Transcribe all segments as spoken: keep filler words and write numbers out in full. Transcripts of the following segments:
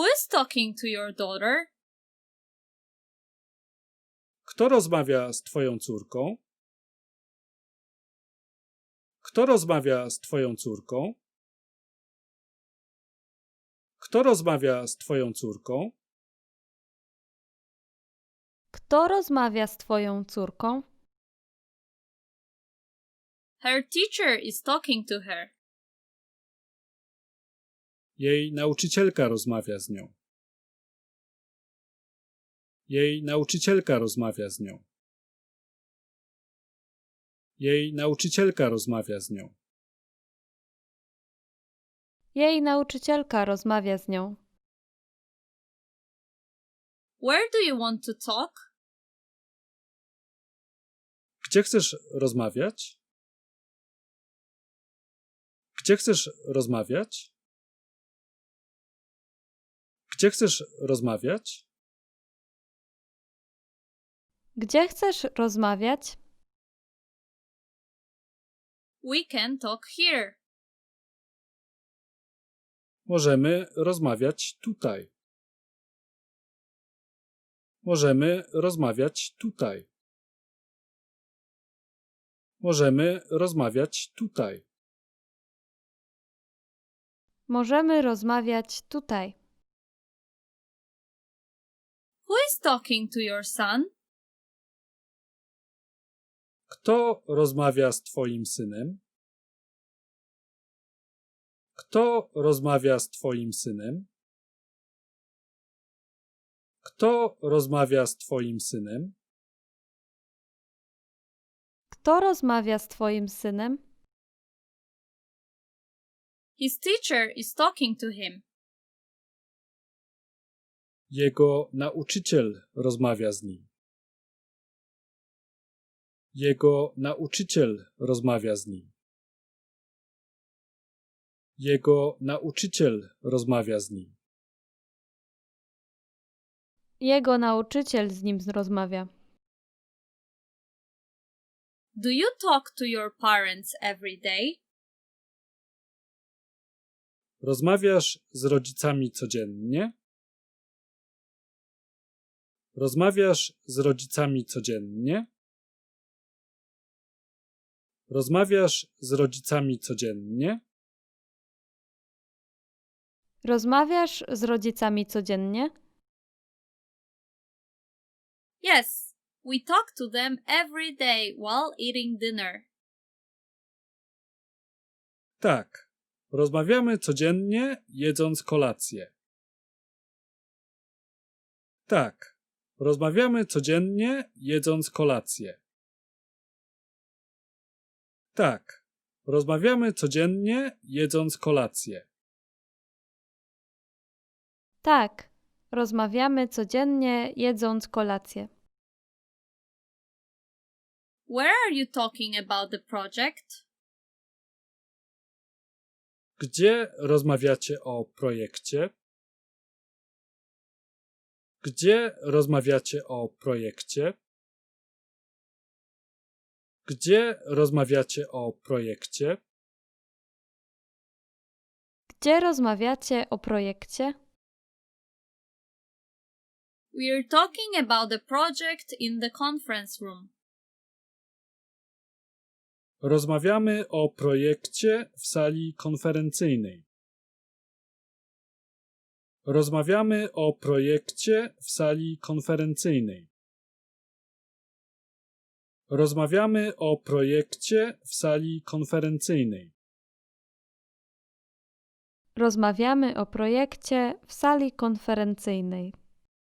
Who is talking to your daughter? Kto rozmawia z twoją córką? Kto rozmawia z twoją córką? Kto rozmawia z twoją córką? Kto rozmawia z twoją córką? Her teacher is talking to her. Jej nauczycielka rozmawia z nią. Jej nauczycielka rozmawia z nią. Jej nauczycielka rozmawia z nią. Jej nauczycielka rozmawia z nią. Where do you want to talk? Gdzie chcesz rozmawiać? Gdzie chcesz rozmawiać? Gdzie chcesz rozmawiać? Gdzie chcesz rozmawiać? We can talk here. Możemy rozmawiać tutaj. Możemy rozmawiać tutaj. Możemy rozmawiać tutaj. Możemy rozmawiać tutaj. Who is talking to your son? Kto rozmawia z twoim synem? Kto rozmawia z twoim synem? Kto rozmawia z twoim synem? Kto rozmawia z twoim synem? His teacher is talking to him. Jego nauczyciel rozmawia z nim. Jego nauczyciel rozmawia z nim. Jego nauczyciel rozmawia z nim. Jego nauczyciel z nim rozmawia. Do you talk to your parents every day? Rozmawiasz z rodzicami codziennie? Rozmawiasz z rodzicami codziennie? Rozmawiasz z rodzicami codziennie? Rozmawiasz z rodzicami codziennie? Yes, we talk to them every day while eating dinner. Tak. Rozmawiamy codziennie, jedząc kolację. Tak. Rozmawiamy codziennie, jedząc kolację. Tak. Rozmawiamy codziennie, jedząc kolację. Tak. Rozmawiamy codziennie, jedząc kolację. Where are you talking about the project? Gdzie rozmawiacie o projekcie? Gdzie rozmawiacie o projekcie? Gdzie rozmawiacie o projekcie? Gdzie rozmawiacie o projekcie? We are talking about the project in the conference room. Rozmawiamy o projekcie w sali konferencyjnej. Rozmawiamy o projekcie w sali konferencyjnej. Rozmawiamy o projekcie w sali konferencyjnej. Rozmawiamy o projekcie w sali konferencyjnej.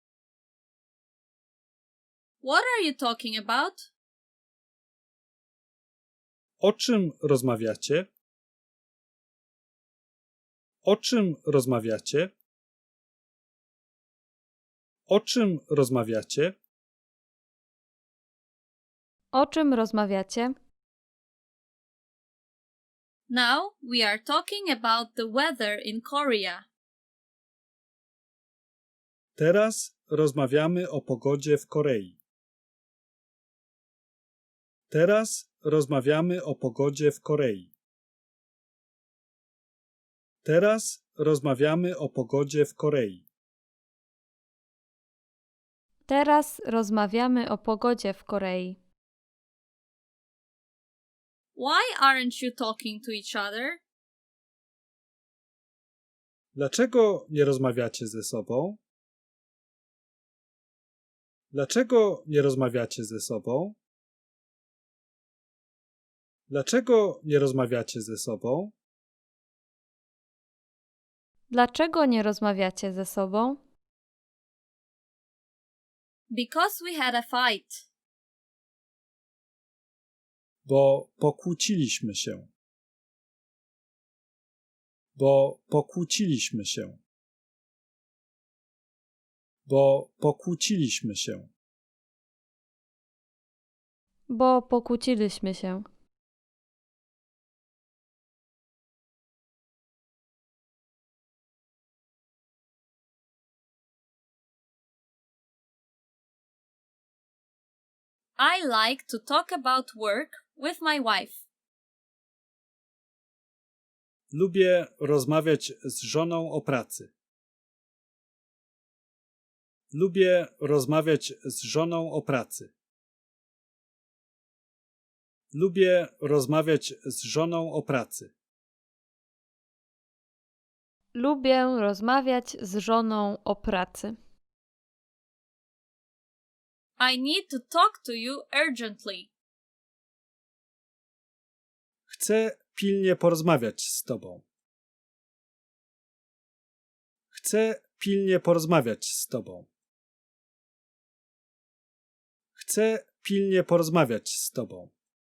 What are you talking about? O czym rozmawiacie? O czym rozmawiacie? O czym rozmawiacie? O czym rozmawiacie? Now we are talking about the weather in Korea. Teraz rozmawiamy o pogodzie w Korei. Teraz rozmawiamy o pogodzie w Korei. Teraz rozmawiamy o pogodzie w Korei. Teraz rozmawiamy o pogodzie w Korei. Why aren't you talking to each other? Dlaczego nie rozmawiacie ze sobą? Dlaczego nie rozmawiacie ze sobą? Dlaczego nie rozmawiacie ze sobą? Dlaczego nie rozmawiacie ze sobą? Because we had a fight. Bo pokłóciliśmy się. Bo pokłóciliśmy się. Bo pokłóciliśmy się. Bo pokłóciliśmy się. I like to talk about work with my wife. Lubię rozmawiać z żoną o pracy. Lubię rozmawiać z żoną o pracy. Lubię rozmawiać z żoną o pracy. Lubię rozmawiać z żoną o pracy. I need to talk to you urgently. Chcę pilnie porozmawiać z tobą. Chcę pilnie porozmawiać z tobą. Chcę pilnie porozmawiać z tobą.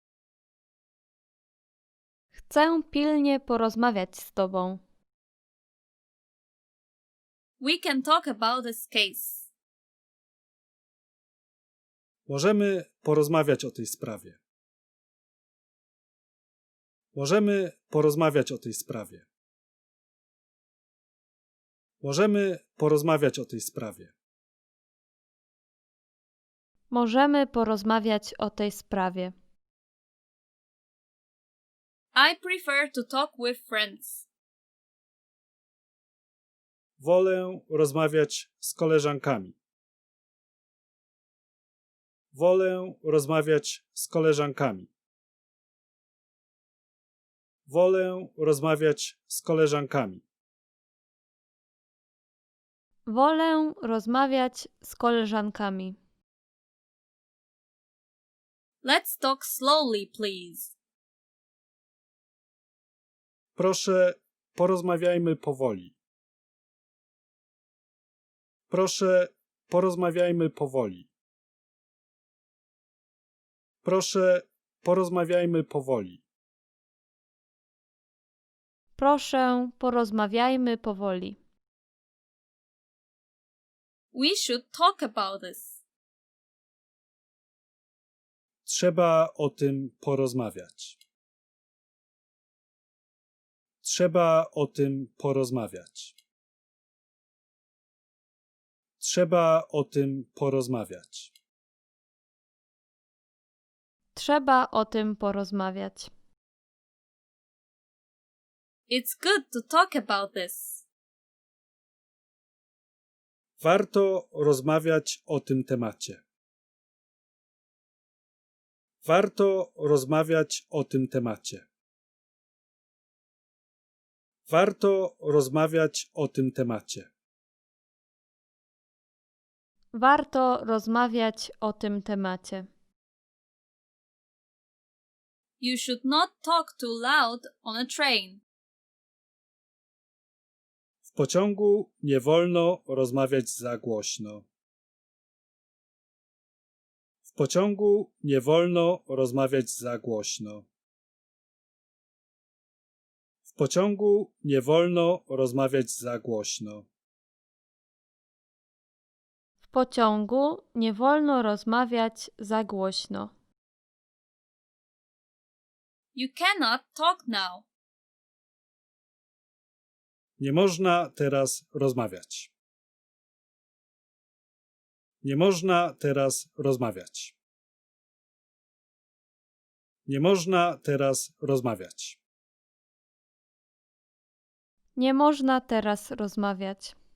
Chcę pilnie porozmawiać z tobą. We can talk about this case. Możemy porozmawiać o tej sprawie. Możemy porozmawiać o tej sprawie. Możemy porozmawiać o tej sprawie. Możemy porozmawiać o tej sprawie. I prefer to talk with friends. Wolę rozmawiać z koleżankami. Wolę rozmawiać z koleżankami. Wolę rozmawiać z koleżankami. Wolę rozmawiać z koleżankami. Let's talk slowly, please. Proszę, porozmawiajmy powoli. Proszę, porozmawiajmy powoli. Proszę, porozmawiajmy powoli. Proszę, porozmawiajmy powoli. We should talk about this. Trzeba o tym porozmawiać. Trzeba o tym porozmawiać. Trzeba o tym porozmawiać. Trzeba o tym porozmawiać. It's good to talk about this. Warto rozmawiać o tym temacie. Warto rozmawiać o tym temacie. Warto rozmawiać o tym temacie. Warto rozmawiać o tym temacie. You should not talk too loud on a train. W pociągu nie wolno rozmawiać za głośno. W pociągu nie wolno rozmawiać za głośno. W pociągu nie wolno rozmawiać za głośno. W pociągu nie wolno rozmawiać za głośno. You cannot talk now. Nie można teraz rozmawiać. Nie można teraz rozmawiać. Nie można teraz rozmawiać. Nie można teraz rozmawiać.